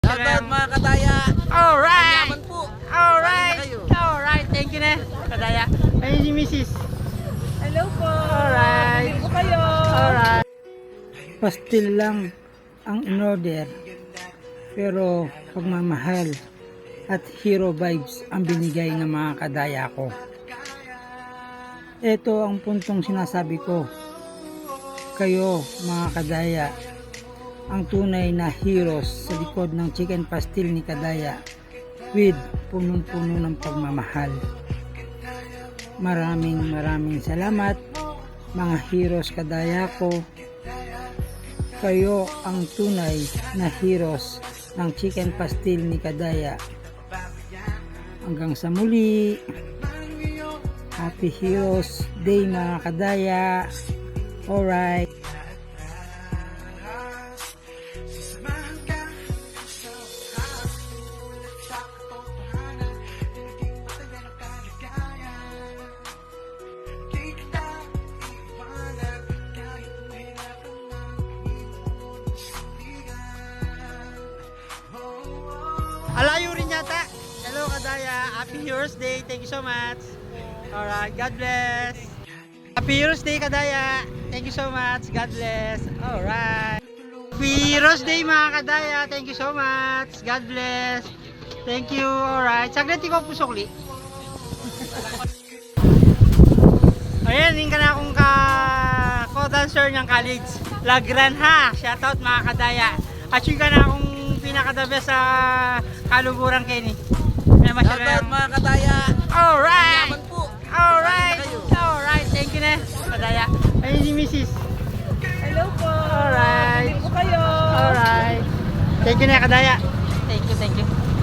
Shoutout mga kadaya. Alright! Yaman po. Alright! Kayo. Alright! Thank you na, kadaya. Ayun si Mrs. Hello po. Alright. Bumili po kayo. Alright. Pastil lang ang in-order. Pero pagmamahal at hero vibes ang binigay ng mga kadaya ko. Ito ang puntong sinasabi ko. Kayo mga kadaya, ang tunay na heroes sa likod ng chicken pastil ni kadaya with punong-puno ng pagmamahal. Maraming salamat mga heroes kadaya ko. Kayo ang tunay na heroes ng chicken pastil ni kadaya. Hanggang sa muli. Happy Heroes Day mga kadaya. Alright. Alayo rin yata. Hello kadaya. Happy Heroes Day. Thank you so much. Alright. God bless. Happy Heroes Day kadaya. Thank you so much. God bless. Alright. Happy Heroes Day mga kadaya. Thank you so much. God bless. Thank you. Alright. Saglit ko pusokli. Ayan, hindi ka na akong co-dancer ng college. Lagran ha. Shoutout mga kadaya. At yun ka na akong pinaka-the best sa kaluburan Kenny. Shoutout mga kadaya. Alright! Yaman po. Alright! Kayo. Alright! Thank you na, kadaya. Ayun si Mrs. Hello po. Alright. Bumili po kayo. Alright. Thank you na, kadaya. Thank you, thank you.